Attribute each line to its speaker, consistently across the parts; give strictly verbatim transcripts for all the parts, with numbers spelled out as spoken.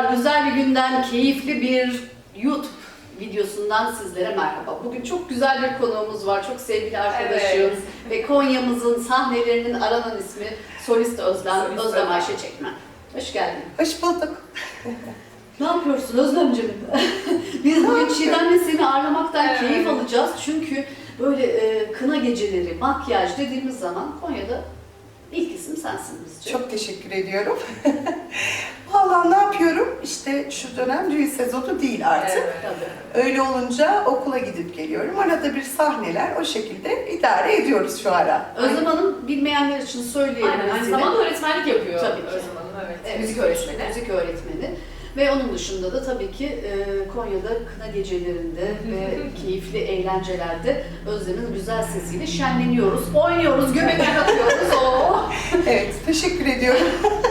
Speaker 1: Merhabalar, güzel bir günden, keyifli bir YouTube videosundan sizlere merhaba. Bugün çok güzel bir konuğumuz var, çok sevgili arkadaşım
Speaker 2: Evet.
Speaker 1: ve Konya'mızın sahnelerinin aranan ismi Solist Özlem,
Speaker 2: Solist
Speaker 1: Özlem
Speaker 2: Özlem.
Speaker 1: Ayşe Çekmen. Hoş geldin.
Speaker 3: Hoş bulduk.
Speaker 1: Ne yapıyorsun Özlemciğim? Biz bugün Çiğdem'le seni ağırlamaktan
Speaker 2: Evet.
Speaker 1: keyif alacağız çünkü böyle e, kına geceleri, makyaj dediğimiz zaman Konya'da ilk isim sensin bizce.
Speaker 3: Çok teşekkür ediyorum. Vallahi ne yapıyorum? İşte şu dönem düğün sezonu değil artık.
Speaker 2: Evet.
Speaker 1: Tabii.
Speaker 3: Öyle olunca okula gidip geliyorum. Arada bir sahneler o şekilde idare ediyoruz şu ara.
Speaker 1: Özlem Hanım bilmeyenler için söyleyelim.
Speaker 2: Aynen, aynı
Speaker 1: seni.
Speaker 2: zamanda öğretmenlik yapıyor.
Speaker 1: Tabii ki.
Speaker 2: Özlem Hanım, evet.
Speaker 1: Evet,
Speaker 2: Müzik öğretmeni.
Speaker 1: Müzik öğretmeni. Ve onun dışında da tabii ki e, Konya'da kına gecelerinde ve keyifli eğlencelerde Özlem'in güzel sesiyle şenleniyoruz, oynuyoruz, göbekler atıyoruz. Oo.
Speaker 3: Evet, teşekkür ediyorum.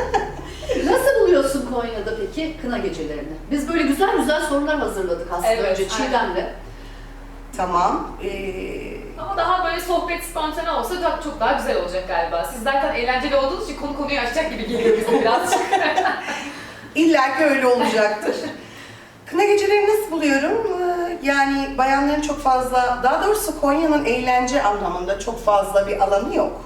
Speaker 1: Nasıl buluyorsun Konya'da peki kına gecelerini? Biz böyle güzel güzel sorular hazırladık aslında
Speaker 2: Evet,
Speaker 1: önce Çiğdem'le.
Speaker 3: Tamam. Ee,
Speaker 2: Ama daha böyle sohbet spontane olsa çok, çok daha güzel olacak galiba. Siz zaten eğlenceli olduğunuz için konu konuyu açacak gibi geliyor bize birazcık.
Speaker 3: İlla ki öyle olacaktır. Kına geceleri nasıl buluyorum? Ee, Yani bayanların çok fazla, daha doğrusu Konya'nın eğlence anlamında çok fazla bir alanı yok.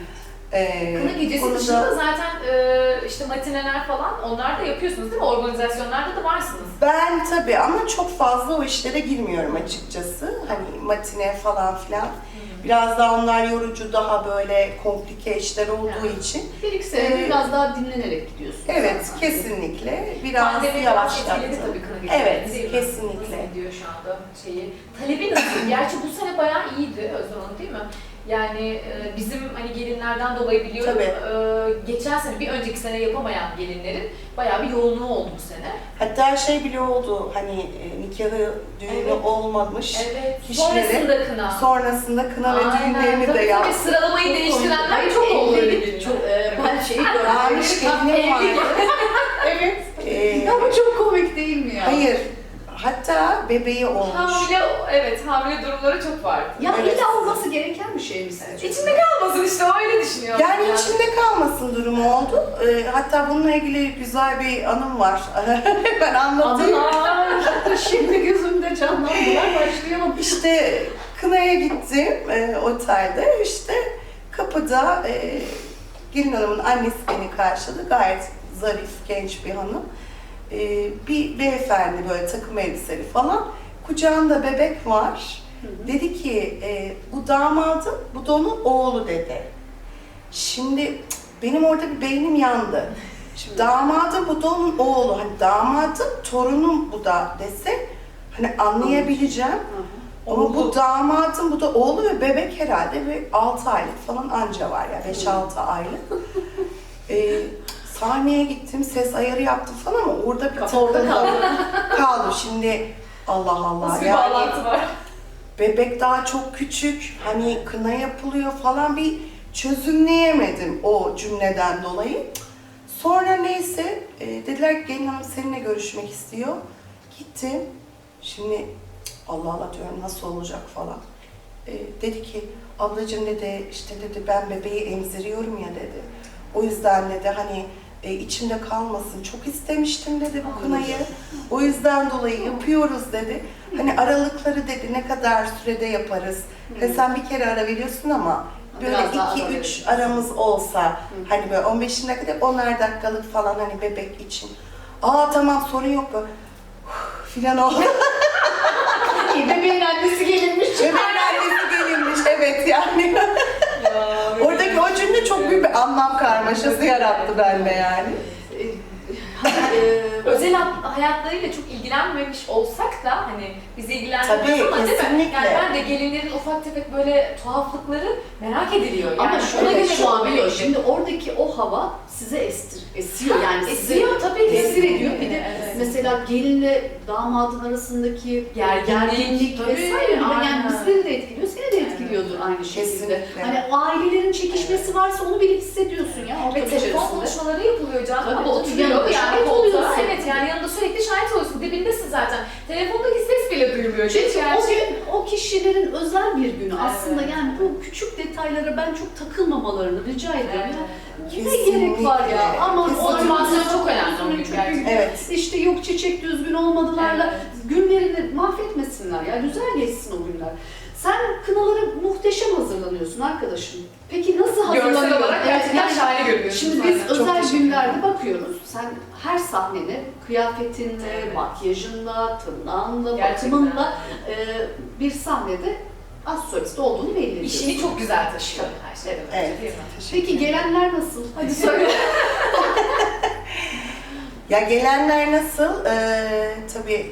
Speaker 3: Ee,
Speaker 2: Kına gecesi
Speaker 3: konuda-
Speaker 2: dışında zaten e, işte matineler falan onlar da yapıyorsunuz değil mi? Organizasyonlarda da varsınız.
Speaker 3: Ben tabii ama çok fazla o işlere girmiyorum açıkçası. Hani matine falan filan. Biraz daha onlar yorucu, daha böyle komplike işler olduğu
Speaker 2: Yani.
Speaker 3: için.
Speaker 1: Bir iki sene
Speaker 3: Ee,
Speaker 1: biraz daha dinlenerek gidiyorsun.
Speaker 3: Evet,
Speaker 1: zaten.
Speaker 3: kesinlikle. Biraz
Speaker 2: Pandemi biraz
Speaker 3: yavaşlattı.
Speaker 2: etkiledi tabii kına geceleri.
Speaker 3: Evet,
Speaker 2: değil mi?
Speaker 3: kesinlikle.
Speaker 2: Nasıl gidiyor şu anda şeyi? Talebi nasıl? Gerçi bu sene bayağı iyiydi Özlem Hanım değil mi? Yani e, bizim hani gelinlerden dolayı biliyorum,
Speaker 3: Tabii.
Speaker 2: e, geçen sene, bir önceki sene yapamayan gelinlerin bayağı bir yoğunluğu oldu bu sene.
Speaker 3: Hatta şey bile oldu, hani e, nikahı, düğünü
Speaker 2: Evet.
Speaker 3: olmamış.
Speaker 2: Evet.
Speaker 3: Kişileri
Speaker 2: Sonrasında kına.
Speaker 3: Sonrasında kına ve
Speaker 2: Aynen,
Speaker 3: düğünlerini
Speaker 2: tabii,
Speaker 3: de
Speaker 2: tabii.
Speaker 3: yaptı.
Speaker 2: Sıralamayı değiştirenler çok oldu öyle gelinler.
Speaker 1: Çok, e, ben şeyi
Speaker 3: Almış
Speaker 1: gördüm.
Speaker 3: gelinim vardı.
Speaker 1: Evet.
Speaker 3: Ee,
Speaker 1: Ya bu çok komik değil mi ya?
Speaker 3: hayır, hatta bebeği olmuş.
Speaker 2: Hamile, evet hamile durumları çok vardı.
Speaker 1: Ya
Speaker 3: Evet.
Speaker 1: illa olması gereken bir şey mi sizce?
Speaker 2: İçinde kalmasın işte öyle düşünüyorum.
Speaker 3: Yani içinde kalmasın durumu oldu. Ee, hatta bununla ilgili güzel bir anım var. Ben anlatayım.
Speaker 1: Anılar şimdi gözümde canlandılar, başlayalım.
Speaker 3: İşte kınaya gittim e, otelde. İşte kapıda e, gelin hanımın annesi beni karşıladı. Gayet zarif, genç bir hanım. E, bir beyefendi böyle takım elbiseli falan. Kucağında bebek var. Dedi ki e, bu damadım, bu da onun oğlu dedi. Şimdi cık, benim orada bir beynim yandı. Şimdi damadım, bu da onun oğlu. Hani damadım, torunum bu da dese hani anlayabileceğim. Ama bu damadım, bu da oğlu ve bebek herhalde bir altı aylık falan anca var ya, beş altı aylık. Ee, sahneye gittim, ses ayarı yaptım falan ama orada bir
Speaker 1: Kafa orada
Speaker 3: takıldım. Kaldım. Şimdi Allah Allah
Speaker 2: Nasıl bir
Speaker 3: yani
Speaker 2: bağlantı var?
Speaker 3: bebek daha çok küçük, hani kına yapılıyor falan bir çözümleyemedim o cümleden dolayı. Sonra neyse e, dediler ki gelin hanım seninle görüşmek istiyor. Gittim. Şimdi Allah Allah diyorum nasıl olacak falan. E, dedi ki ablacığım dedi işte dedi ben bebeği emziriyorum ya dedi. O yüzden dedi hani e, içimde kalmasın çok istemiştim dedi bu kınayı. O yüzden dolayı yapıyoruz dedi. Hani aralıkları dedi ne kadar sürede yaparız. Hani sen bir kere ara veriyorsun ama böyle
Speaker 1: Biraz daha
Speaker 3: iki
Speaker 1: ara
Speaker 3: üç
Speaker 1: verirsin.
Speaker 3: aramız olsa hani böyle on beş dakika onar dakikalık falan hani bebek için. Aa tamam sorun yok böyle filan oldu.
Speaker 1: Bebeğin annesi gelinmiş.
Speaker 3: Bebeğin annesi gelinmiş evet yani. Oradaki o cümle çok büyük bir anlam karmaşası yarattı bende yani.
Speaker 1: Ee,
Speaker 2: Özel hayatlarıyla çok ilgilenmemiş olsak da hani bizi ilgilendirmez
Speaker 3: Tabii,
Speaker 2: ama değil mi?
Speaker 3: kesinlikle.
Speaker 2: Yani ben de gelinlerin ufak tefek böyle tuhaflıkları merak ediliyor. Yani
Speaker 1: Ama
Speaker 2: ona
Speaker 1: şöyle
Speaker 2: göre
Speaker 1: şu an
Speaker 2: çok
Speaker 1: şimdi oradaki o hava size estir, esiyor yani size
Speaker 2: Esiyor tabii ki.
Speaker 1: tesir ediyor. Bir de
Speaker 2: Evet.
Speaker 1: mesela gelinle damadın arasındaki
Speaker 2: Gerginlik,
Speaker 1: gerginlik
Speaker 2: tabii,
Speaker 1: vesaire bile yani
Speaker 2: aynen.
Speaker 1: bizleri de etkiliyor, seni de etkiliyordur aynı şekilde.
Speaker 3: Kesinlikle.
Speaker 1: Hani ailelerin çekişmesi varsa onu bile hissediyorsun ya ortam
Speaker 2: Ve telefon
Speaker 1: içerisinde.
Speaker 2: konuşmaları yapılıyor canım
Speaker 1: Tabii,
Speaker 2: ama
Speaker 1: tabii,
Speaker 2: oturuyor
Speaker 1: yanında
Speaker 2: yani
Speaker 1: şahit
Speaker 2: koltuğa.
Speaker 1: oluyorsun.
Speaker 2: Evet yani yanında sürekli şahit oluyorsun. Dibindesin zaten. Telefondaki ses bile duyuluyor.
Speaker 1: Çünkü
Speaker 2: Geç
Speaker 1: o
Speaker 2: gerçi.
Speaker 1: gün o kişilerin özel bir günü.
Speaker 2: Evet.
Speaker 1: Aslında yani bu küçük detaylara ben çok takılmamalarını rica ediyorum.
Speaker 2: Evet.
Speaker 1: Ya, ne gerek var ya?
Speaker 3: Kesinlikle.
Speaker 1: Aman
Speaker 3: Kesinlikle.
Speaker 2: Motivasyon
Speaker 1: çok
Speaker 2: çok önemli o gün
Speaker 1: çünkü
Speaker 2: gerçekten.
Speaker 3: Evet.
Speaker 1: işte yok çiçek düzgün olmadılarla
Speaker 2: Evet.
Speaker 1: günlerini mahvetmesinler ya. Güzel geçsin o günler. Sen kınalara muhteşem hazırlanıyorsun arkadaşım. Peki nasıl
Speaker 2: Görsel
Speaker 1: hazırlanıyorsun?
Speaker 2: olarak gerçekten
Speaker 1: Yani
Speaker 2: şahane görünüyorsun.
Speaker 1: Şimdi biz
Speaker 2: zaten.
Speaker 3: Çok
Speaker 1: özel
Speaker 3: teşekkür
Speaker 1: günlerde bakıyoruz. Sen her sahneni kıyafetinle,
Speaker 2: Evet.
Speaker 1: makyajınla, tırnağınla,
Speaker 2: Gerçekten.
Speaker 1: bakımınla e, bir sahnede az solist olduğunu belli ediyorsun.
Speaker 2: İşini çok güzel taşıyor her şeyden önce,
Speaker 3: Evet.
Speaker 2: değil mi?
Speaker 1: Peki gelenler nasıl? Hadi söyle.
Speaker 3: Ya gelenler nasıl? Ee, tabii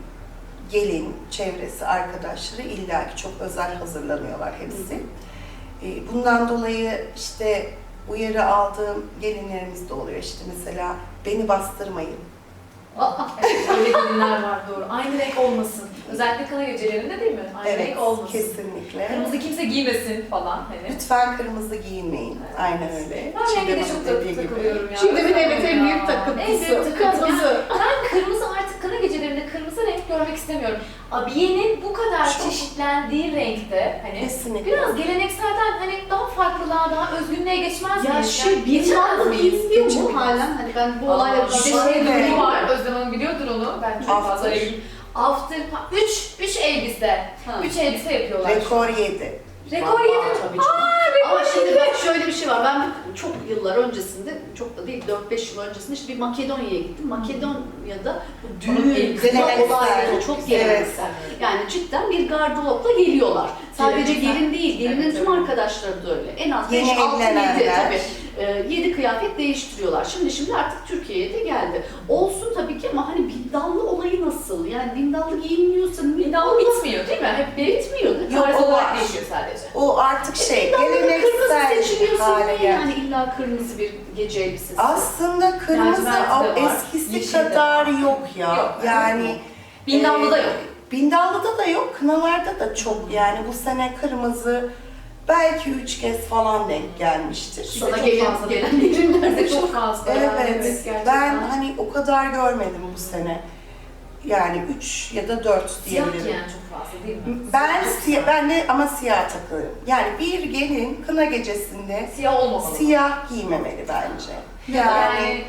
Speaker 3: gelin, çevresi, arkadaşları illaki çok özel hazırlanıyorlar hepsi. Ee, bundan dolayı işte uyarı aldığım gelinlerimiz de oluyor. İşte mesela beni bastırmayın.
Speaker 1: Aa,
Speaker 2: Evet, öyle gelinler var doğru. Aynı renk olmasın. Özellikle kına gecelerinde değil mi? Aynı
Speaker 3: Evet,
Speaker 2: renk olmasın.
Speaker 3: kesinlikle.
Speaker 2: Kırmızı kimse giymesin falan hani.
Speaker 3: Lütfen kırmızı giyinmeyin. Aynen öyle.
Speaker 2: Ben renge de
Speaker 3: Çiğdem
Speaker 2: çok
Speaker 3: Hanım
Speaker 2: tak-
Speaker 3: dediği gibi.
Speaker 2: takılıyorum ya.
Speaker 1: Çiğdem'in evet en
Speaker 2: Ya.
Speaker 1: büyük takıntısı.
Speaker 2: En büyük takıntısı.
Speaker 1: Kırmızı.
Speaker 2: Ben kırmızı artık kına gecelerinde kırmızı renk görmek istemiyorum. Abiyenin bu kadar
Speaker 3: Çok.
Speaker 2: çeşitlendiği renkte hani
Speaker 3: Kesinlikle.
Speaker 2: biraz gelenekselden hani daha farklılığa, daha özgünlüğe geçmez
Speaker 1: Ya
Speaker 2: miyiz?
Speaker 1: şey
Speaker 2: Yani
Speaker 1: bir
Speaker 2: geçemez
Speaker 1: mı
Speaker 2: miyiz?
Speaker 1: giyiliyor mu
Speaker 3: Geçemeyiz.
Speaker 1: halen? Hani ben bu
Speaker 2: Aa,
Speaker 1: olayla
Speaker 2: bir de şey
Speaker 3: Şöyle.
Speaker 2: durumu var. Özlem Hanım biliyordur onu. Ben çok
Speaker 3: After.
Speaker 2: fazla ilgili. After, üç, üç elbise.
Speaker 1: Ha.
Speaker 2: Üç elbise yapıyorlar.
Speaker 3: Rekor yedi.
Speaker 2: Rekor
Speaker 1: Var,
Speaker 2: yedi.
Speaker 1: tabii canım. Ama şimdi bak şöyle bir şey var. Ben çok yıllar öncesinde, çok da değil dört beş yıl öncesinde işte bir Makedonya'ya gittim. Makedonya'da bu
Speaker 2: Onun
Speaker 1: düğün, kına
Speaker 3: geleneksel.
Speaker 1: olayları çok geleneksel. Yani cidden bir gardıropla geliyorlar. Sadece
Speaker 2: Geleneksel.
Speaker 1: gelin değil, gelinin
Speaker 2: Evet,
Speaker 1: tüm
Speaker 2: evet.
Speaker 1: arkadaşları da öyle. En az
Speaker 3: Yeni
Speaker 1: beş altı yedi
Speaker 3: evlenenler.
Speaker 1: tabii. yedi kıyafet değiştiriyorlar. Şimdi şimdi artık Türkiye'ye de geldi. Olsun tabii ki ama hani bindallı olayı nasıl? Yani bindallı giyinmiyorsa
Speaker 2: Bindallı bitmiyor değil mi? Hep bir
Speaker 1: bitmiyor.
Speaker 3: Yok,
Speaker 2: tarz
Speaker 3: o
Speaker 2: olarak
Speaker 3: var.
Speaker 2: değişiyor sadece.
Speaker 3: O artık şey,
Speaker 1: Bindallı kırmızı
Speaker 3: geleneksel
Speaker 1: seçiliyorsa
Speaker 3: hale
Speaker 1: niye
Speaker 3: geldi.
Speaker 1: yani illa kırmızı bir gece elbisesi?
Speaker 3: Aslında kırmızı
Speaker 2: Lacivert de
Speaker 3: o
Speaker 2: var,
Speaker 3: eskisi
Speaker 2: yeşil de
Speaker 3: kadar
Speaker 2: var.
Speaker 3: yok ya.
Speaker 2: Yok,
Speaker 3: yani
Speaker 2: Bindallı da
Speaker 3: e,
Speaker 2: yok.
Speaker 3: Bindallı'da da yok, kınalarda da çok. Yani bu sene kırmızı belki üç kez falan denk gelmiştir.
Speaker 1: Sana
Speaker 2: çok
Speaker 1: gelen,
Speaker 2: fazla
Speaker 1: gelen gelinler de çok
Speaker 2: çok fazla.
Speaker 3: Evet,
Speaker 2: gerçekten.
Speaker 3: ben hani o kadar görmedim bu sene. Yani üç ya da dört
Speaker 2: Siyah
Speaker 3: diyebilirim.
Speaker 2: giyen çok fazla değil mi?
Speaker 3: Ben
Speaker 2: Çok
Speaker 3: siyah,
Speaker 2: siyah.
Speaker 3: ben de ama siyah takılırım. Yani bir gelin kına gecesinde
Speaker 2: Siyah olmamalı.
Speaker 3: siyah giymemeli bence.
Speaker 2: Yani,
Speaker 3: Yani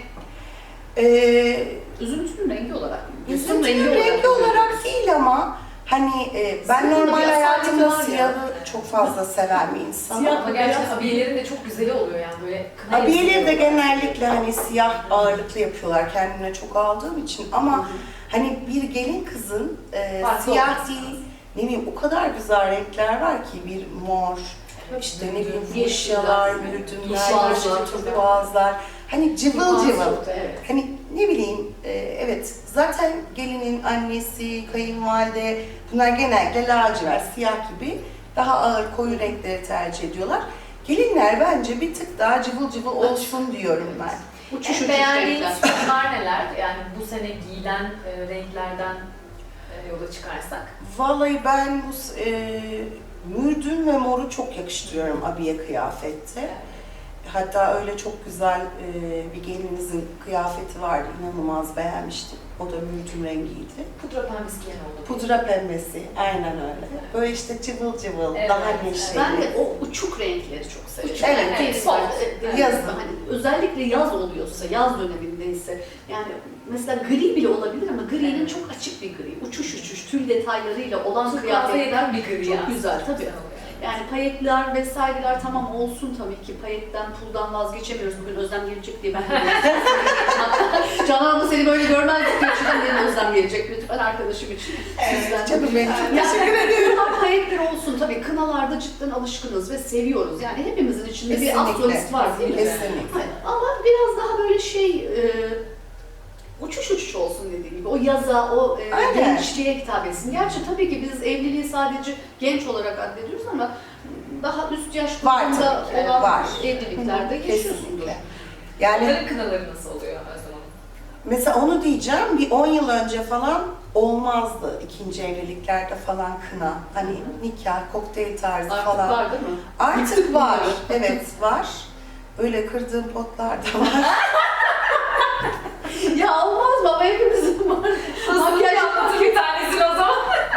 Speaker 3: e,
Speaker 1: üzüntünün rengi olarak.
Speaker 3: üzüntünün rengi olarak değil ama hani e, ben
Speaker 1: Siyahın da
Speaker 3: normal
Speaker 1: bir asaleti
Speaker 3: hayatımda
Speaker 1: var ya.
Speaker 3: siyahı çok fazla seven bir insanım.
Speaker 1: Siyah
Speaker 2: ama gerçekten abiyelerin de çok güzeli oluyor yani böyle. kına
Speaker 3: Abiyeleri de
Speaker 2: elbiseleri oluyor.
Speaker 3: genellikle hani siyah ağırlıklı yapıyorlar kendine çok aldığım için ama hani bir gelin kızın e,
Speaker 2: Farklı
Speaker 3: siyah
Speaker 2: olması
Speaker 3: değil, ne bileyim o kadar güzel renkler var ki bir mor, işte ne bileyim fuşyalar,
Speaker 1: Yeşiller,
Speaker 3: mürdümler,
Speaker 1: turkuazlar,
Speaker 3: yeşil
Speaker 1: tabii.
Speaker 3: turkuazlar, hani cıvıl
Speaker 2: Turkuaz
Speaker 3: cıvıl.
Speaker 2: çok da, evet.
Speaker 3: Hani ne bileyim, e, evet zaten gelinin annesi, kayınvalide bunlar genellikle lacivert, siyah gibi daha ağır koyu renkleri tercih ediyorlar. Gelinler bence bir tık daha cıvıl cıvıl olsun diyorum ben.
Speaker 1: Uçuş
Speaker 2: En
Speaker 1: uçuş
Speaker 2: beğendiğiniz
Speaker 1: renkler.
Speaker 2: tonlar neler? Yani bu sene giyilen e, renklerden e, yola çıkarsak.
Speaker 3: Vallahi ben bu s- e, mürdüm ve moru çok yakıştırıyorum abiye kıyafette. Hatta öyle çok güzel e, bir gelininizin kıyafeti vardı, inanılmaz beğenmiştim. O da mürdüm rengiydi.
Speaker 2: Pudra pembesi giyen oldu.
Speaker 3: Pudra pembesi, aynen öyle. Böyle işte cıvıl cıvıl,
Speaker 2: Evet,
Speaker 3: daha
Speaker 2: evet.
Speaker 3: neşeli.
Speaker 1: Ben de o uçuk renkleri çok seviyorum.
Speaker 2: Uçuk,
Speaker 1: Yani
Speaker 3: evet,
Speaker 1: tenis
Speaker 2: soft.
Speaker 1: var, e,
Speaker 3: Yazın.
Speaker 1: Hani özellikle yaz oluyorsa, yaz dönemindeyse yani mesela gri bile olabilir ama gri'nin
Speaker 2: Evet.
Speaker 1: çok açık bir gri, uçuş uçuş tül detaylarıyla olan
Speaker 2: Turkuaz'a
Speaker 1: kıyafetler
Speaker 2: yakın bir gri
Speaker 1: çok
Speaker 2: ya.
Speaker 1: güzel tabii.
Speaker 2: Güzel oluyor.
Speaker 1: Yani payetler vesaireler tamam olsun tabii ki. Payetten, puldan vazgeçemiyoruz. Bugün Özlem gelecek diye ben de Canan abla seni böyle görmezdik diye şuradan benim Özlem gelecek lütfen arkadaşım için. Sizden.
Speaker 3: Canım benim çok
Speaker 1: Yani
Speaker 3: teşekkür ederim.
Speaker 1: bunlar payetler olsun tabii. Kınalarda cidden alışkınız ve seviyoruz. Yani hepimizin içinde bir
Speaker 3: Kesinlikle.
Speaker 1: astrolist var değil mi?
Speaker 3: Kesinlikle.
Speaker 1: Hayır, ama biraz daha böyle şey e, uçuş uçuş olsun dediğim gibi. O yaza, o e,
Speaker 3: Aynen.
Speaker 1: gençliğe hitap etsin. Gerçi tabii ki biz evliliği sadece genç olarak addediyoruz ama daha üst yaş
Speaker 3: Var
Speaker 1: grubunda
Speaker 3: tabii ki,
Speaker 1: olan
Speaker 3: var.
Speaker 1: evliliklerde yaşıyorsundur.
Speaker 3: Kesinlikle. Yani
Speaker 2: Onların kınaları nasıl oluyor Özlem Hanım?
Speaker 3: mesela onu diyeceğim, bir on yıl önce falan olmazdı ikinci evliliklerde falan kına. Hani nikah, kokteyl tarzı
Speaker 1: Artık
Speaker 3: falan.
Speaker 1: var değil mi?
Speaker 3: Artık var, evet var. Öyle kırdığım potlar da var.
Speaker 1: Ya olmaz mı? Ama hepimizin var.
Speaker 2: Makyaj
Speaker 1: Makyaj
Speaker 2: anlatır bir tanesini o zaman.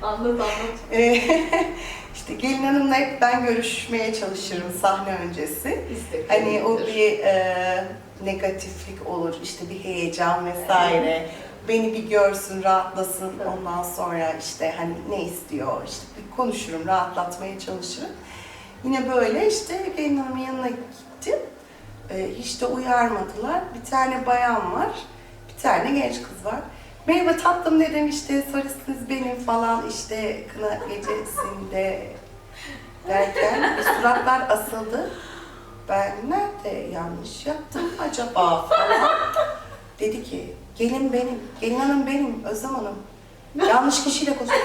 Speaker 2: Anlat anlat.
Speaker 3: Ee, işte gelin hanımla hep ben görüşmeye çalışırım sahne öncesi.
Speaker 1: İstek
Speaker 3: Hani o
Speaker 1: değildir.
Speaker 3: bir e, negatiflik olur, işte bir heyecan vesaire. Beni bir görsün, rahatlasın.
Speaker 1: Tabii.
Speaker 3: Ondan sonra işte hani ne istiyor, işte bir konuşurum, rahatlatmaya çalışırım. Yine böyle işte gelin hanımın yanına gittim. E, hiç de uyarmadılar. Bir tane bayan var, bir tane genç kız var. Merhaba tatlım dedim, işte solistiniz benim falan, işte kına gecesinde derken suratlar asıldı. Ben nerede yanlış yaptım acaba falan. Dedi ki gelin benim, gelin hanım benim, Özlem Hanım. Yanlış kişiyle konuştum.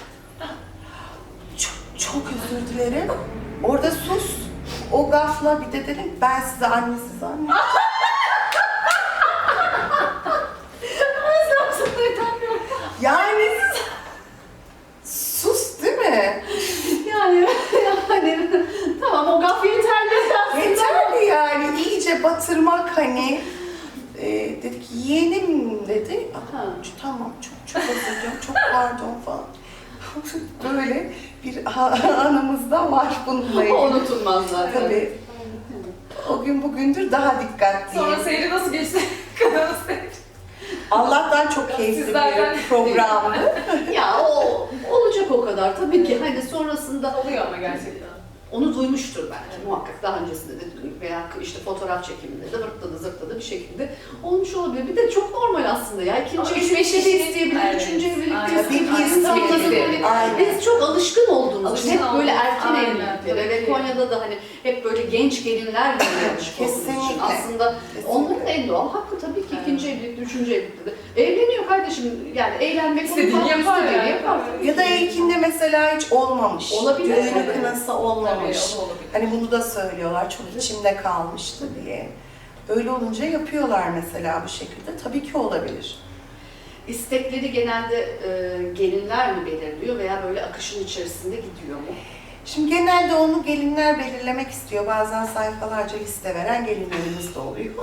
Speaker 3: Çok, çok özür dilerim. Orada sus. O gafla bir de dedim ben size annesi zannediyorum. Yani sus değil mi?
Speaker 1: Yani, yani tamam o gaf yeterli aslında.
Speaker 3: Yeterli yani iyice batırmak hani. E, dedi ki yeğenim dedi.
Speaker 1: Ha.
Speaker 3: Tamam çok çok özür diliyorum, çok pardon falan. Böyle bir anımız da var bununla ilgili.
Speaker 1: O unutulmaz zaten.
Speaker 3: Tabii. O gün bugündür daha dikkatliyim.
Speaker 2: Sonra seyri nasıl geçti? Kadının seyri.
Speaker 3: Allah'tan çok keyifli
Speaker 2: Sizlerden
Speaker 3: bir programdı.
Speaker 1: Ya o olacak o kadar. Tabii ki hani sonrasında
Speaker 2: Oluyor ama gerçekten.
Speaker 1: onu duymuştur belki muhakkak daha öncesinde de duyup veya işte fotoğraf çekiminde de vırtladı zırtladı bir şekilde olmuş olabilir. Bir de çok normal aslında ya. İkinci
Speaker 2: Ama
Speaker 1: evlilikte
Speaker 2: üç beş
Speaker 1: de
Speaker 2: kişinin-
Speaker 1: isteyebilir,
Speaker 2: Evet.
Speaker 1: üçüncü evlilikte
Speaker 2: Aynen.
Speaker 1: isteyebilir.
Speaker 3: Tabii ki
Speaker 1: İnsanların
Speaker 3: isteyebilir.
Speaker 1: böyle-
Speaker 3: Aynen.
Speaker 1: Biz çok alışkın olduğumuz için
Speaker 2: Alışkın
Speaker 1: hep böyle
Speaker 2: olduğumuz,
Speaker 1: erken
Speaker 2: aynen,
Speaker 1: evliliklere
Speaker 2: tabii
Speaker 1: ve
Speaker 2: ki.
Speaker 1: Konya'da da hani hep böyle genç gelinler böyle alışık olduğumuz için
Speaker 3: Kesinlikle.
Speaker 1: aslında
Speaker 3: Kesinlikle.
Speaker 1: onların en doğal hakkı tabii ki
Speaker 2: Evet.
Speaker 1: ikinci evlilikte, üçüncü evlilikte de. Evleniyor kardeşim yani eğlenmek
Speaker 2: İstediğini
Speaker 1: onun
Speaker 2: yapar
Speaker 1: istediğini
Speaker 2: yani.
Speaker 1: yapar.
Speaker 3: Ya da ilkinde mesela hiç olmamış.
Speaker 1: Olabilir.
Speaker 3: Düğünü
Speaker 1: Evet.
Speaker 3: kınası
Speaker 2: Tabii
Speaker 3: olmamış.
Speaker 2: o da olabilir.
Speaker 3: Hani bunu da söylüyorlar, çok içimde kalmıştı diye. Öyle olunca yapıyorlar mesela bu şekilde. Tabii ki olabilir.
Speaker 1: İstekleri genelde e, gelinler mi belirliyor veya böyle akışın içerisinde gidiyor mu?
Speaker 3: Şimdi genelde onu gelinler belirlemek istiyor. Bazen sayfalarca liste veren gelinlerimiz de oluyor.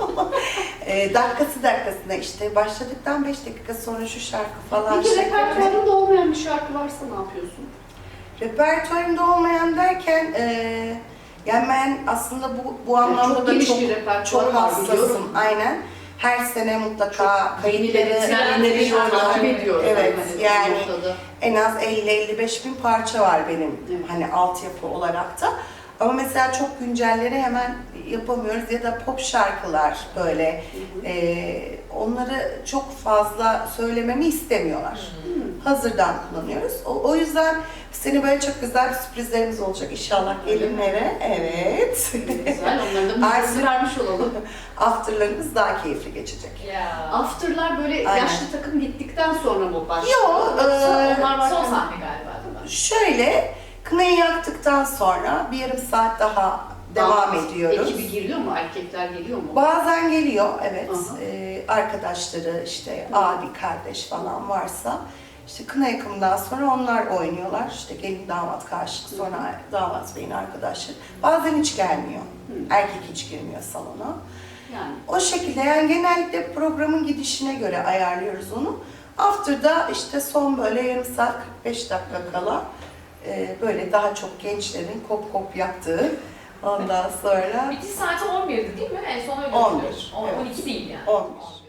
Speaker 3: e, dakikası dakikasına işte başladıktan beş dakika sonra şu şarkı falan.
Speaker 1: Peki
Speaker 3: şeklinde.
Speaker 1: repertuarında olmayan bir şarkı varsa ne yapıyorsun?
Speaker 3: Repertuarımda olmayan derken e, yani ben aslında bu bu
Speaker 1: Yani
Speaker 3: anlamda
Speaker 1: çok
Speaker 3: da
Speaker 1: geniş
Speaker 3: çok
Speaker 1: bir repertuar
Speaker 3: çok
Speaker 1: var,
Speaker 3: hassasım.
Speaker 1: biliyorum.
Speaker 3: Aynen. Her sene mutlaka
Speaker 1: Yenileri,
Speaker 3: kayıtları,
Speaker 1: trendleri
Speaker 3: dinliyorum.
Speaker 1: takip ediyoruz.
Speaker 3: Evet,
Speaker 1: hani
Speaker 3: yani
Speaker 1: bu noktada.
Speaker 3: en az elli elli beş bin parça var benim
Speaker 1: Evet.
Speaker 3: hani altyapı olarak da. Ama mesela çok güncelleri hemen yapamıyoruz ya da pop şarkılar böyle
Speaker 1: Hı hı.
Speaker 3: e, onları çok fazla söylememi istemiyorlar.
Speaker 1: Hı.
Speaker 3: Hazırdan kullanıyoruz. O, o yüzden bu sene böyle çok güzel bir sürprizlerimiz olacak inşallah gelinlere. Evet.
Speaker 1: Güzel, onların da müjdesini vermiş olalım.
Speaker 3: Afterlarımız daha keyifli geçecek.
Speaker 2: Ya.
Speaker 1: After'lar böyle
Speaker 3: Aynen.
Speaker 1: yaşlı takım gittikten sonra mı başlıyor?
Speaker 3: Yok,
Speaker 1: Yoksa
Speaker 3: eee,
Speaker 1: onlar var.
Speaker 2: Son sahne galiba değil mi?
Speaker 3: Şöyle, kınayı yaktıktan sonra bir yarım saat daha devam ediyoruz.
Speaker 1: Ekibi geliyor mu? Erkekler geliyor mu?
Speaker 3: Bazen geliyor, evet.
Speaker 1: Aha.
Speaker 3: Ee, arkadaşları, işte
Speaker 1: Hı.
Speaker 3: abi, kardeş falan varsa, işte kına yakımından sonra onlar oynuyorlar. İşte gelin damat karşılık, sonra damat beyin arkadaşları. Bazen hiç gelmiyor.
Speaker 1: Hı.
Speaker 3: Erkek hiç girmiyor salona.
Speaker 1: Yani.
Speaker 3: O şekilde yani genellikle programın gidişine göre ayarlıyoruz onu. After'da işte son böyle yarım saat kırk beş dakika kala e, böyle daha çok gençlerin kop kop yaptığı ondan sonra
Speaker 2: Bitiş saati on birdi değil mi? En son öyle
Speaker 3: on bir,
Speaker 2: hatırlıyorum. On-
Speaker 3: evet.
Speaker 2: on iki değil yani.
Speaker 3: on bir.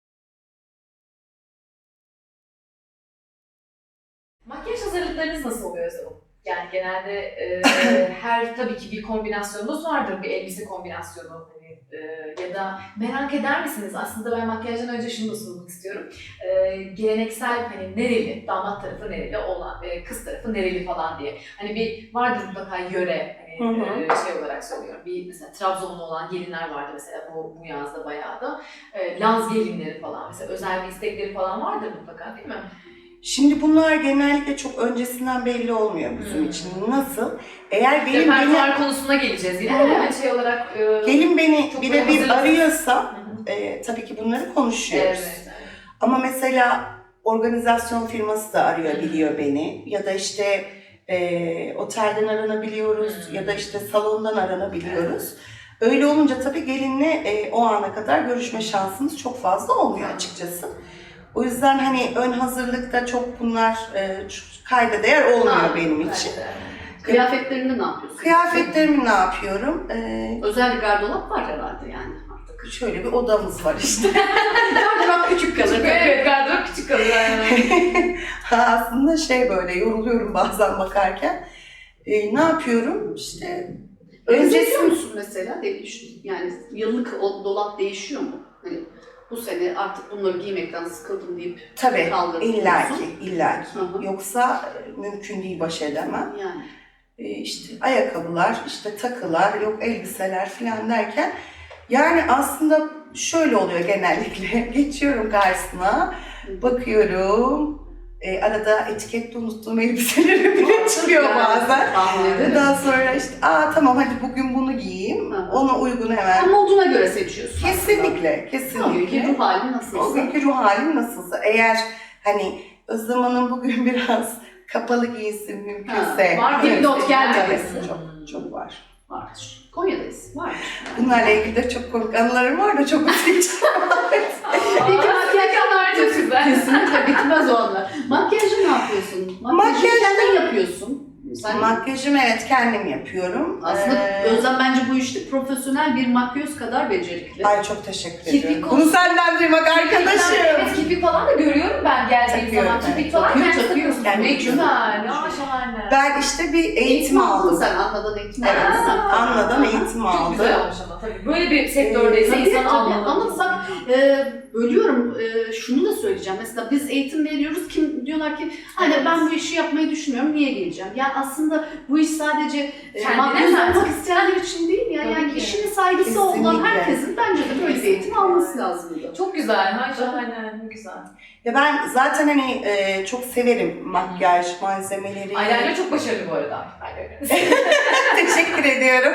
Speaker 2: Makyaj hazırlıklarınız nasıl oluyor Özlem Hanım? Yani genelde e, her tabii ki bir kombinasyonunuz vardır, bir elbise kombinasyonu hani, e, ya da merak eder misiniz? Aslında ben makyajdan önce şunu da sormak istiyorum. E, geleneksel hani nereli, damat tarafı nereli, olan e, kız tarafı nereli falan diye. Hani bir vardır mutlaka yöre, hani
Speaker 3: Hı hı.
Speaker 2: e, şey olarak söylüyorum. Bir mesela Trabzonlu olan gelinler vardı mesela bu, bu yazda bayağı da. E, Laz gelinleri falan mesela özel bir istekleri falan vardır mutlaka değil mi?
Speaker 3: Şimdi bunlar genellikle çok öncesinden belli olmuyor bizim
Speaker 2: Hmm.
Speaker 3: için. Nasıl? Eğer gelin beni,
Speaker 2: Repertuar konusuna geleceğiz yine.
Speaker 3: Hı.
Speaker 2: Hani şey olarak... E,
Speaker 3: gelin beni
Speaker 2: Çok
Speaker 3: birebir
Speaker 2: böyle hazırlık-
Speaker 3: arıyorsa
Speaker 2: Hı hı.
Speaker 3: e, tabii ki bunları konuşuyoruz.
Speaker 2: Evet.
Speaker 3: Ama mesela organizasyon firması da arıyor,
Speaker 2: Hı.
Speaker 3: biliyor beni. Ya da işte e, otelden aranabiliyoruz
Speaker 2: Hı.
Speaker 3: ya da işte salondan aranabiliyoruz. Öyle olunca tabii gelinle e, o ana kadar görüşme şansımız çok fazla olmuyor açıkçası. O yüzden hani ön hazırlıkta çok bunlar e, kayda değer olmuyor
Speaker 1: Ha,
Speaker 3: benim için.
Speaker 1: Kıyafetlerinde ne yapıyorsun?
Speaker 3: Kıyafetlerimi ne yapıyorum? Ee,
Speaker 1: Özel bir gardırop var herhalde yani artık.
Speaker 3: şöyle bir odamız var işte.
Speaker 1: Gardırop küçük kalır.
Speaker 2: Evet, gardırop küçük kalır. Yani.
Speaker 3: Aslında şey böyle yoruluyorum bazen bakarken. Ee, ne yapıyorum? İşte
Speaker 1: Öncesi
Speaker 3: öncesi
Speaker 1: musun mesela? Değişiyor. Yani yıllık o dolap değişiyor mu? Hani bu sene artık bunları giymekten sıkıldım deyip
Speaker 3: tabii
Speaker 1: kaldırdın
Speaker 3: illaki
Speaker 1: diyorsun.
Speaker 3: illaki.
Speaker 1: Hı hı.
Speaker 3: Yoksa e, mümkün değil baş edemem.
Speaker 1: Yani.
Speaker 3: Ee, işte ayakkabılar, işte takılar, yok elbiseler falan derken yani aslında şöyle oluyor genellikle. Geçiyorum karşısına, bakıyorum. E, arada etikette unuttuğum elbiseleri bile çıkıyor
Speaker 1: Yani,
Speaker 3: bazen.
Speaker 1: tahmin ederim.
Speaker 3: Daha sonra işte aa tamam hadi bugün bunu giyeyim.
Speaker 1: Hı hı.
Speaker 3: Ona uygun hemen.
Speaker 1: Sen moduna göre seçiyorsun.
Speaker 3: Kesinlikle,
Speaker 1: O
Speaker 3: kesinlikle.
Speaker 1: günkü ruh halin
Speaker 3: O
Speaker 1: nasılsa.
Speaker 3: günkü ruh halim nasılsa. Eğer hani Özlem Hanım bugün biraz kapalı giysin mümkünse.
Speaker 2: Ha, var mı?
Speaker 1: Dipnot gelmedi.
Speaker 3: Evet, çok, çok var.
Speaker 1: Vardır. Konya'dayız. Vardır.
Speaker 3: Bunlarla ilgili de çok komik anılarım var da çok üzücü.
Speaker 2: Peki makyajlar çok güzel.
Speaker 1: Kesinlikle bitmez o anlar. Makyajı ne yapıyorsun? Makyajı
Speaker 3: Makyaj-
Speaker 1: kendin yapıyorsun. Sen
Speaker 3: Makyajımı evet kendim yapıyorum.
Speaker 1: aslında
Speaker 3: Ee,
Speaker 1: Özlem bence bu işte profesyonel bir makyöz kadar becerikli.
Speaker 3: Ay çok teşekkür
Speaker 2: Kirpik
Speaker 3: ediyorum.
Speaker 2: konusu-
Speaker 3: Bunu senden duymak arkadaşım.
Speaker 2: Evet, kirpik falan da görüyorum ben geldiğim
Speaker 3: Takıyorum,
Speaker 2: zaman.
Speaker 3: evet.
Speaker 2: Kirpik falan
Speaker 1: Takıyor,
Speaker 2: kendisi
Speaker 1: takıyor.
Speaker 2: takıyorsun.
Speaker 3: Kendi
Speaker 2: Ne
Speaker 3: vücudum.
Speaker 2: güzel, ne şahane.
Speaker 3: Ben işte bir eğitim,
Speaker 1: Eğitim aldın
Speaker 3: aldım.
Speaker 1: sen. Anladan eğitim
Speaker 3: Evet,
Speaker 1: aldın sen.
Speaker 3: Anladan
Speaker 1: Aha.
Speaker 3: eğitim
Speaker 2: Çok
Speaker 3: aldım.
Speaker 2: güzel olmuş ama tabii. Böyle bir sektördeyse
Speaker 1: Tabii,
Speaker 2: insan
Speaker 1: tabii.
Speaker 2: almalı.
Speaker 1: Ama bak e, bölüyorum, e, şunu da söyleyeceğim. Mesela biz eğitim veriyoruz. Kim diyorlar ki hani
Speaker 2: Evet.
Speaker 1: ben bu işi yapmayı düşünüyorum. Niye geleceğim? Yani aslında bu iş sadece e,
Speaker 2: Kendine
Speaker 1: makyöz
Speaker 2: zaten.
Speaker 1: olmak isteyenler için değil ya.
Speaker 2: Tabii
Speaker 1: Yani
Speaker 2: ki.
Speaker 1: işine saygısı olan
Speaker 3: Kesinlikle.
Speaker 1: herkesin bence de böyle bir eğitim alması lazım.
Speaker 2: Çok güzel, ha şahane, ne güzel.
Speaker 3: Ya ben zaten hani e, çok severim makyaj malzemeleri.
Speaker 2: Eyeliner çok başarılı bu arada. Eyeliner.
Speaker 3: Teşekkür ediyorum.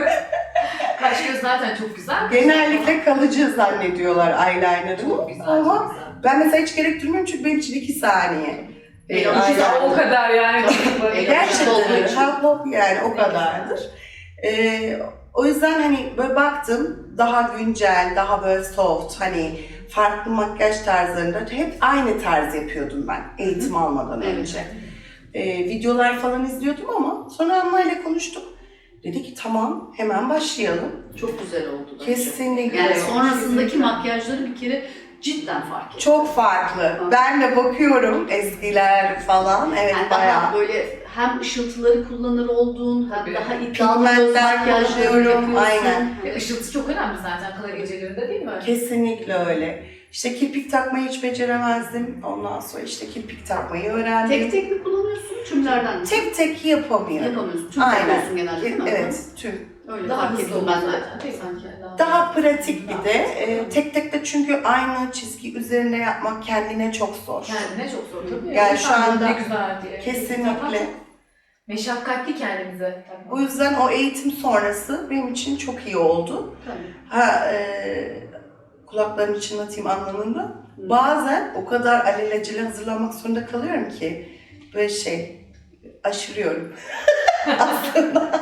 Speaker 2: Kaş göz zaten çok güzel.
Speaker 3: Genellikle kalıcı zannediyorlar eyeliner'ı.
Speaker 2: Çok güzel,
Speaker 3: Ama
Speaker 2: çok güzel.
Speaker 3: ben mesela hiç gerektirmiyorum çünkü benim için iki saniye.
Speaker 1: E,
Speaker 3: E,
Speaker 1: ama
Speaker 3: eyeliner.
Speaker 2: O kadar yani.
Speaker 1: E,
Speaker 3: Gerçekten
Speaker 1: olduğu
Speaker 3: öyle.
Speaker 1: için.
Speaker 3: Şablon yani o kadardır. Ee, o yüzden hani böyle baktım daha güncel, daha böyle soft hani farklı makyaj tarzlarında hep aynı tarz yapıyordum ben eğitim almadan
Speaker 1: Evet.
Speaker 3: önce. Ee, videolar falan izliyordum ama sonra Anna ile konuştuk. Dedi ki tamam hemen başlayalım.
Speaker 1: Çok güzel oldu da.
Speaker 3: Kesinlikle.
Speaker 1: Yani sonrasındaki
Speaker 3: Kesinlikle.
Speaker 1: makyajları bir kere cidden fark ettim.
Speaker 3: Çok farklı. Ben de bakıyorum eskiler falan. Evet
Speaker 1: Yani
Speaker 3: bayağı.
Speaker 1: daha böyle hem ışıltıları kullanır olduğun, hem
Speaker 2: Tabii.
Speaker 1: daha iddialı göz
Speaker 3: Pigmentler
Speaker 1: makyajları
Speaker 3: kullanıyorum,
Speaker 1: yapıyorsun.
Speaker 3: aynen.
Speaker 2: Ve ışıltı çok önemli zaten kına gecelerinde değil mi?
Speaker 3: Kesinlikle öyle. İşte kirpik takmayı hiç beceremezdim. Ondan sonra işte kirpik takmayı öğrendim.
Speaker 1: Tek tek mi kullanıyorsun, tümlerden mi?
Speaker 3: tek, tek yapamıyorum.
Speaker 1: Yapamıyorsun. Tüm
Speaker 3: Aynen.
Speaker 1: yapıyorsun genelde değil mi?
Speaker 3: Evet, tüm.
Speaker 1: Öyle
Speaker 2: Daha
Speaker 1: fark
Speaker 2: hızlı
Speaker 1: ettim
Speaker 2: olur
Speaker 1: ben de.
Speaker 2: zaten, değil mi?
Speaker 1: Sanki.
Speaker 3: Daha pratik bir de. e, tek tek de çünkü aynı çizgi üzerine yapmak kendine çok zor.
Speaker 2: Kendine çok zor tabii.
Speaker 3: Yani şu
Speaker 2: İnsan
Speaker 3: anda
Speaker 2: ne güzel diye.
Speaker 3: Kesinlikle.
Speaker 2: Meşakkatli kendimize.
Speaker 3: O yüzden o eğitim sonrası benim için çok iyi oldu.
Speaker 1: Tabii.
Speaker 3: Ha, e, kulaklarını çınlatayım anlamında.
Speaker 1: Hı.
Speaker 3: Bazen o kadar alelacele hazırlanmak zorunda kalıyorum ki böyle şey aşırıyorum aslında.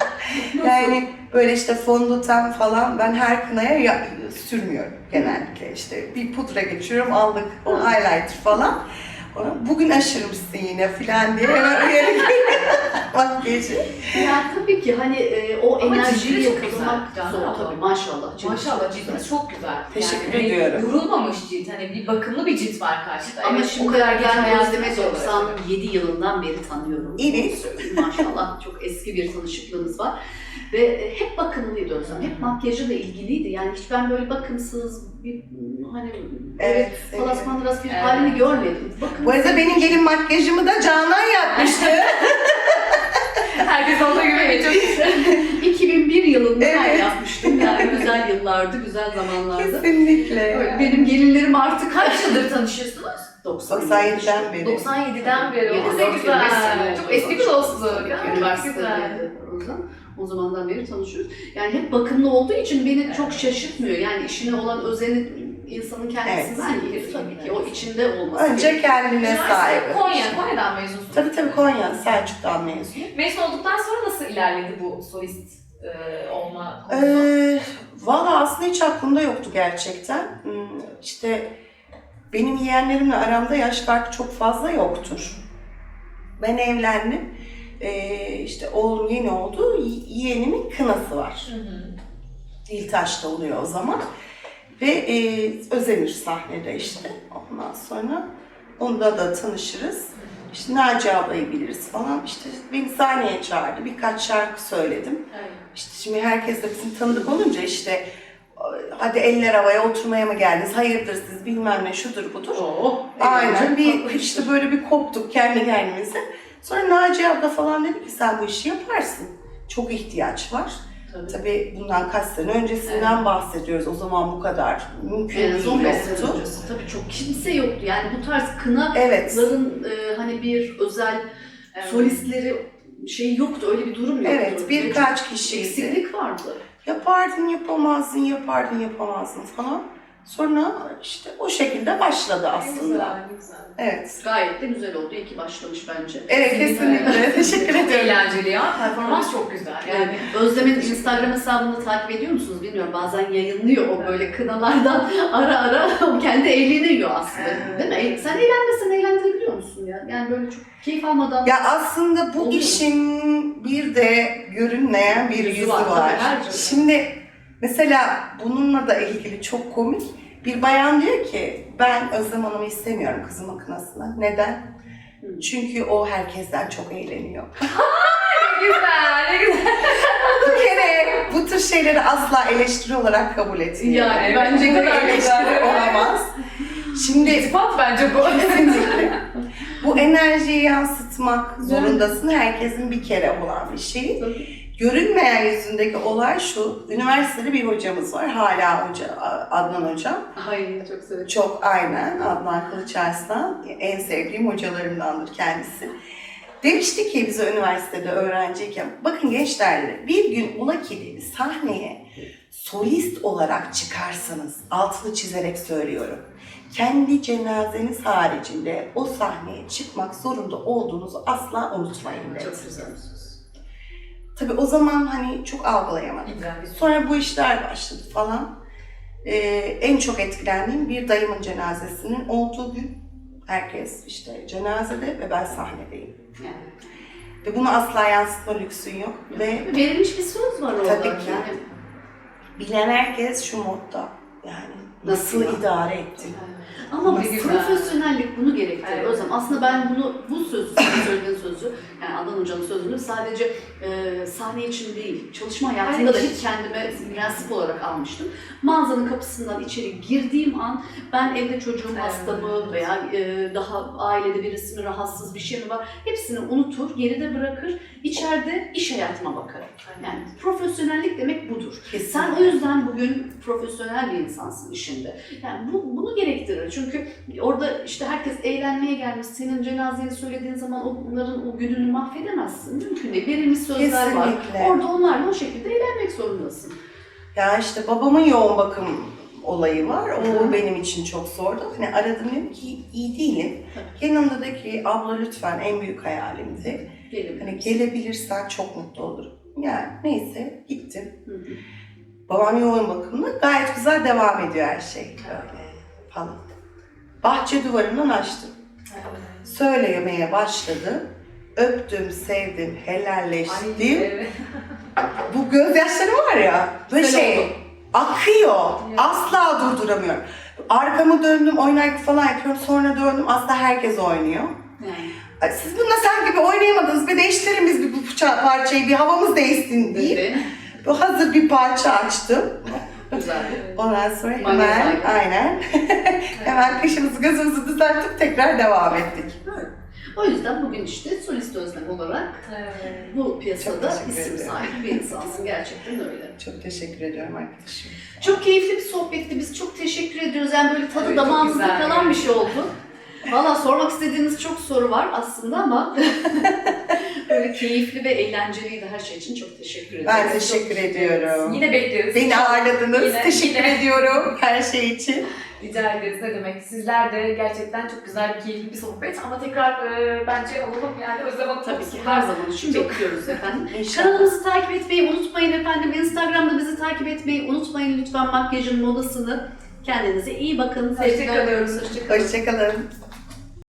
Speaker 3: Yani böyle işte fondöten falan ben her kınaya ya- sürmüyorum genellikle. İşte bir pudra geçiyorum aldık o
Speaker 1: Hı.
Speaker 3: highlighter falan. Ona, bugün aşırmışsın yine falan diye hemen uyarı makyajı.
Speaker 1: Ya tabii ki hani e, o
Speaker 2: Ama
Speaker 1: enerjiyi
Speaker 2: ciddi çok
Speaker 1: yakalamak
Speaker 2: güzel.
Speaker 1: zor
Speaker 2: Canım.
Speaker 1: tabii maşallah. Cildi
Speaker 2: Maşallah
Speaker 1: çok
Speaker 2: cildiniz
Speaker 1: güzel.
Speaker 2: çok güzel.
Speaker 3: Teşekkür
Speaker 2: yani,
Speaker 3: ediyorum.
Speaker 2: Yorulmamış cilt. Hani bir bakımlı bir cilt var karşıda.
Speaker 1: Ama
Speaker 2: Evet,
Speaker 1: şimdi
Speaker 2: o kadar
Speaker 1: ben
Speaker 2: geç hayatımız
Speaker 1: Özlem'i
Speaker 2: zor
Speaker 1: doksan
Speaker 2: oluyor.
Speaker 1: yedi yılından beri tanıyorum.
Speaker 3: Evet.
Speaker 1: Onu söyleyeyim. Maşallah çok eski bir tanışıklığımız var. Ve hep bakımlıydı Özlem. Hep makyajıyla ilgiliydi. Yani hiç ben böyle bakımsız bir hani
Speaker 3: Evet.
Speaker 1: böyle palasmandıras bir
Speaker 2: Evet.
Speaker 1: halini görmedim. Bakın.
Speaker 3: Bu arada benim gelin makyajımı da Canan yapmıştı.
Speaker 2: Herkes olduğu gibi çok güzel.
Speaker 1: iki bin bir yılında ben
Speaker 3: Evet.
Speaker 1: yapmıştım. Yani güzel yıllardı, güzel zamanlardı.
Speaker 3: Kesinlikle.
Speaker 1: Öyle benim gelinlerim artık
Speaker 2: Kaç yıldır tanışıyorsunuz?
Speaker 3: doksan yediden beri.
Speaker 2: doksan yediden beri.
Speaker 1: Yedi,
Speaker 2: O ne
Speaker 1: dört, yirmi beş sene
Speaker 2: güzel.
Speaker 1: oldu.
Speaker 2: Çok eski bir dostluk. Ya, Çok güzel.
Speaker 1: Üniversitede o zaman. O zamandan beri tanışıyoruz. Yani hep bakımlı olduğu için beni çok şaşırtmıyor. Yani işine olan özeni insanın kendisinden
Speaker 2: Evet.
Speaker 1: gelir tabii ki. O içinde olması
Speaker 3: Önce
Speaker 1: gerekiyor.
Speaker 3: kendine sahibi.
Speaker 2: Konya, Konya'dan mezunsunuz.
Speaker 3: Tabii tabii Konya, Selçuk'tan mezunum.
Speaker 2: Mezun olduktan sonra nasıl ilerledi bu solist e, olma konusu?
Speaker 3: Ee, Valla aslında hiç aklımda yoktu gerçekten. Hmm, İşte benim yeğenlerimle aramda yaş farkı çok fazla yoktur. Ben evlendim. Ee, işte oğlum yeni oldu. Yeğenimin kınası var.
Speaker 2: Hı hı.
Speaker 3: Diltaş'ta oluyor o zaman. Ve e, Özenir sahnede işte. Ondan sonra onda da tanışırız. İşte Naci ablayı biliriz falan. İşte beni sahneye çağırdı. Birkaç şarkı söyledim.
Speaker 2: Evet.
Speaker 3: İşte şimdi herkes de bizim tanıdık olunca işte hadi eller havaya oturmaya mı geldiniz? Hayırdır siz bilmem ne şudur budur.
Speaker 1: Oo,
Speaker 3: Aynen bir
Speaker 1: eğlenceli.
Speaker 3: işte böyle bir koptuk kendi kendimize. Sonra Naci abla falan dedi ki sen bu işi yaparsın. Çok ihtiyaç var.
Speaker 1: Tabii.
Speaker 3: Tabii bundan kaç sene öncesinden
Speaker 1: Evet.
Speaker 3: bahsediyoruz. O zaman bu kadar mümkün
Speaker 1: En az on
Speaker 3: değil
Speaker 1: beş sene
Speaker 3: yoktu.
Speaker 1: öncesi. Tabii çok kimse yoktu. Yani bu tarz kınaların
Speaker 3: Evet.
Speaker 1: e, hani bir özel
Speaker 2: Evet.
Speaker 1: solistleri şey yoktu. Öyle bir durum yoktu.
Speaker 3: Evet,
Speaker 1: Ve
Speaker 3: birkaç
Speaker 1: çok
Speaker 3: kişiydi.
Speaker 1: eksiklik vardı.
Speaker 3: Yapardın yapamazdın, yapardın yapamazdın falan. Sonra işte o şekilde başladı
Speaker 2: Ne
Speaker 3: aslında.
Speaker 2: güzel, ne güzel.
Speaker 3: Evet.
Speaker 1: Gayet de güzel oldu. İyi ki başlamış bence.
Speaker 3: Evet kesinlikle. Teşekkür
Speaker 2: Çok
Speaker 3: ederim.
Speaker 2: eğlenceli ya. Performans çok güzel. Yani
Speaker 1: Yani Özlem'in Instagram hesabını takip ediyor musunuz bilmiyorum. Bazen yayınlıyor o böyle kınalardan ara ara o kendi eğleniyor aslında.
Speaker 2: Evet.
Speaker 1: Değil mi? E, Sen eğlenmesen eğlendirebiliyor musun ya? Yani böyle çok keyif almadan.
Speaker 3: Ya aslında bu
Speaker 1: Oluyor.
Speaker 3: işin bir de görünmeyen bir yüzü,
Speaker 1: Yüzü var,
Speaker 3: var.
Speaker 1: tabii, her türlü.
Speaker 3: Şimdi mesela bununla da ilgili çok komik. Bir bayan diyor ki ben Özlem Hanım'ı istemiyorum kızımın kınasına. Neden?
Speaker 1: Hı.
Speaker 3: Çünkü o herkesten çok eğleniyor.
Speaker 2: ne güzel, ne güzel.
Speaker 3: Bir kere bu tür şeyleri asla eleştiri olarak kabul etmiyor.
Speaker 1: Yani
Speaker 2: Evet,
Speaker 1: bence
Speaker 2: ne
Speaker 3: Bu
Speaker 2: kadar
Speaker 3: eleştiri
Speaker 2: güzel.
Speaker 3: olamaz. Şimdi
Speaker 2: İltifat bence bu.
Speaker 3: kesinlikle bu enerjiyi yansıtmak zorundasın. Herkesin bir kere olan bir şey.
Speaker 1: Tabii.
Speaker 3: Görünmeyen yüzündeki olay şu, üniversitede bir hocamız var, hala hoca, Adnan hocam.
Speaker 1: Ay çok severim.
Speaker 3: Çok aynen, Adnan Kılıçarslan, en sevdiğim hocalarımdandır kendisi. Demişti ki bize üniversitede öğrenciyken, bakın gençler dedi, bir gün ola ki dedi, sahneye solist olarak çıkarsanız, altını çizerek söylüyorum, kendi cenazeniz haricinde o sahneye çıkmak zorunda olduğunuzu asla unutmayın dedi.
Speaker 1: Çok güzel.
Speaker 3: Tabii o zaman hani çok algılayamadım.
Speaker 2: Güzel bir
Speaker 3: Sonra bu işler başladı falan. Ee, en çok etkilendiğim bir dayımın cenazesinin olduğu gün herkes işte cenazede ve ben sahnedeyim.
Speaker 1: Yani.
Speaker 3: Ve bunu asla yansıtma lüksün yok. Ve
Speaker 1: Verilmiş bir söz var orada.
Speaker 3: Tabii ki.
Speaker 1: Yani,
Speaker 3: bilen herkes şu modda. Yani nasıl
Speaker 1: Nasıl ya?
Speaker 3: idare ettin?
Speaker 1: ama
Speaker 3: Nasıl?
Speaker 1: profesyonellik bunu gerektirir.
Speaker 2: Evet.
Speaker 1: O zaman aslında ben bunu, bu sözü, senin söylediğin sözü, yani Adnan Hoca'nın sözünü sadece e, sahne için değil, çalışma hayatında da
Speaker 2: Hayır.
Speaker 1: hep kendime prensip olarak almıştım. Mağazanın kapısından içeri girdiğim an ben evde çocuğum
Speaker 2: Evet.
Speaker 1: hasta mı veya e, daha ailede birisi mi rahatsız bir şey mi var hepsini unutur, geride bırakır, içeride iş hayatıma bakarım. Yani profesyonellik demek budur.
Speaker 3: Kesinlikle.
Speaker 1: Sen o yüzden bugün profesyonel bir insansın işinde. Yani bu, bunu gerektirir. Çünkü orada işte herkes eğlenmeye gelmiş. Senin cenazeni söylediğin zaman onların o gününü mahvedemezsin. Mümkün değil. Verilmiş sözler var.
Speaker 3: Kesinlikle.
Speaker 1: Orada onlarla o şekilde eğlenmek zorundasın.
Speaker 3: Ya işte babamın yoğun bakım olayı var. O
Speaker 1: Hı.
Speaker 3: benim için çok zordu. Hani aradım dedim ki iyi değilim. Yanımda da ki abla lütfen en büyük hayalimdi.
Speaker 1: Gelin.
Speaker 3: Hani gelebilirsen çok mutlu olurum. Yani neyse gittim.
Speaker 1: Hı hı.
Speaker 3: Babam yoğun bakımda gayet güzel devam ediyor her şey. Böyle falan. Bahçe duvarından açtım. Söylemeye başladı. Öptüm, sevdim, helalleştim.
Speaker 2: Ay, evet.
Speaker 3: Bu gözyaşları var ya, böyle
Speaker 1: Güzel
Speaker 3: şey
Speaker 1: oldu.
Speaker 3: akıyor.
Speaker 2: Ya.
Speaker 3: Asla durduramıyorum. Arkamı döndüm, oynarken falan yapıyorum. Sonra döndüm, aslında herkes oynuyor.
Speaker 1: Yani.
Speaker 3: Ay, siz bununla sen gibi oynayamadınız. Bir değiştirelim biz bir bu ça- parçayı, bir havamız değişsin diye.
Speaker 1: Evet.
Speaker 3: Bu hazır bir parça açtım.
Speaker 1: Güzel.
Speaker 3: Ondan sonra
Speaker 1: Magnet
Speaker 3: hemen,
Speaker 1: aynen.
Speaker 3: aynen. hemen kaşımızı gözümüzü düzeltip tekrar devam ettik.
Speaker 1: O yüzden bugün işte solist Özlem olarak
Speaker 2: Evet.
Speaker 1: bu piyasada
Speaker 3: Çok teşekkür
Speaker 1: isim
Speaker 3: ederim.
Speaker 1: sahibi bir insansın. Gerçekten öyle.
Speaker 3: Çok teşekkür ediyorum arkadaşım.
Speaker 1: Çok keyifli bir sohbetti. Biz çok teşekkür ediyoruz. Yani böyle tadı
Speaker 2: Evet, çok
Speaker 1: damağımızda
Speaker 2: güzel.
Speaker 1: kalan bir şey oldu. Valla sormak istediğiniz çok soru var aslında ama böyle keyifli ve eğlenceliydi her şey için. Çok teşekkür ederim.
Speaker 3: Ben teşekkür ediyorum.
Speaker 2: Yine bekleriz.
Speaker 3: Beni ağırladınız.
Speaker 2: Yine-
Speaker 3: teşekkür
Speaker 2: yine.
Speaker 3: ediyorum her şey için.
Speaker 2: Rica ederiz, ne demek. Sizler de gerçekten çok güzel bir keyifli bir sohbet ama tekrar e, bence alalım yani Özlem Hanım
Speaker 1: Tabii ki
Speaker 2: konusunda.
Speaker 1: her zaman için
Speaker 2: Çok-
Speaker 1: bekliyoruz efendim.
Speaker 3: İnşallah.
Speaker 1: Kanalımızı takip etmeyi unutmayın efendim. Instagram'da bizi takip etmeyi unutmayın lütfen makyajın modasını. Kendinize iyi bakın.
Speaker 2: Hoşça
Speaker 1: Sevgiler
Speaker 2: kalın.
Speaker 1: diliyoruz. Hoşçakalın.
Speaker 3: Hoşçakalın.